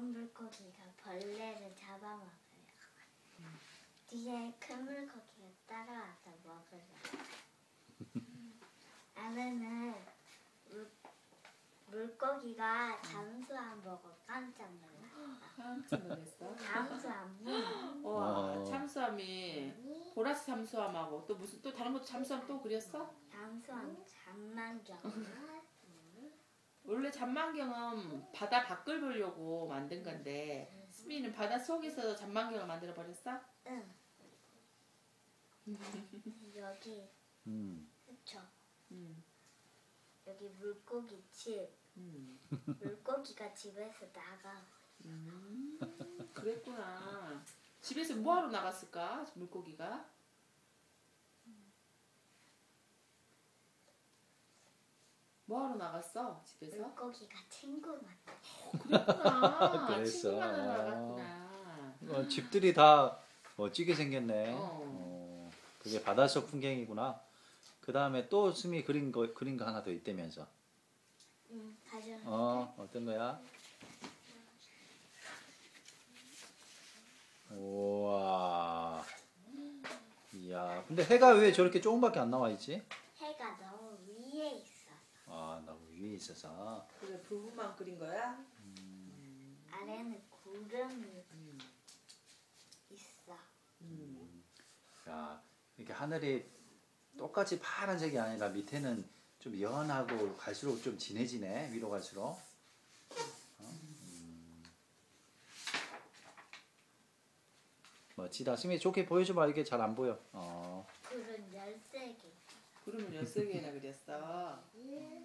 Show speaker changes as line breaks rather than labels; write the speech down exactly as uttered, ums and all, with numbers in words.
작은 물고기가 벌레를 잡아먹어요. 음. 뒤에 큰 물고기가 따라와서 먹으려고. 안에는 물, 물고기가 잠수함 보고 깜짝 놀랐어.
깜짝 놀랐어?
잠수함이.
와, 어. 잠수함이 보라색 잠수함하고 또 무슨 또 다른 것도 잠수함 또 그렸어?
잠수함 장난경.
원래 잔망경은 바다 밖을 보려고 만든 건데 수미는 바다 속에서 잔망경을 만들어 버렸어?
응. 여기
음.
그쵸.
음.
여기 물고기 집.
음.
물고기가 집에서 나가.
음. 그랬구나. 집에서 뭐하러 나갔을까? 물고기가? 뭐하러 나갔어? 집에서?
물고기가 친구 만나.
어, 그랬구나.
그랬어.
친구 만나러 나갔구나.
어, 집들이 다 멋지게 생겼네.
어.
어, 그게 바닷속 풍경이구나. 그 다음에 또 수미 그린 거 그린 거 하나 더 있다면서.
응, 가져.
어, 어떤 거야? 우와. 이야, 근데 해가 왜 저렇게 조금밖에 안 나와 있지?
해가 너무 위에 있어서.
아, 너무 위에 있어서.
그래, 부부만 그린 거야?
음.
아래는 구름이
음.
있어.
음.
야, 이렇게 하늘이 똑같이 파란색이 아니라 밑에는 좀 연하고 갈수록 좀 진해지네. 위로 갈수록. 어? 음. 멋지다. 수미 좋게 보여줘봐. 이게 잘 안 보여. 어.
구름 열세 개.
구름을 열세 개나 그렸어.
예.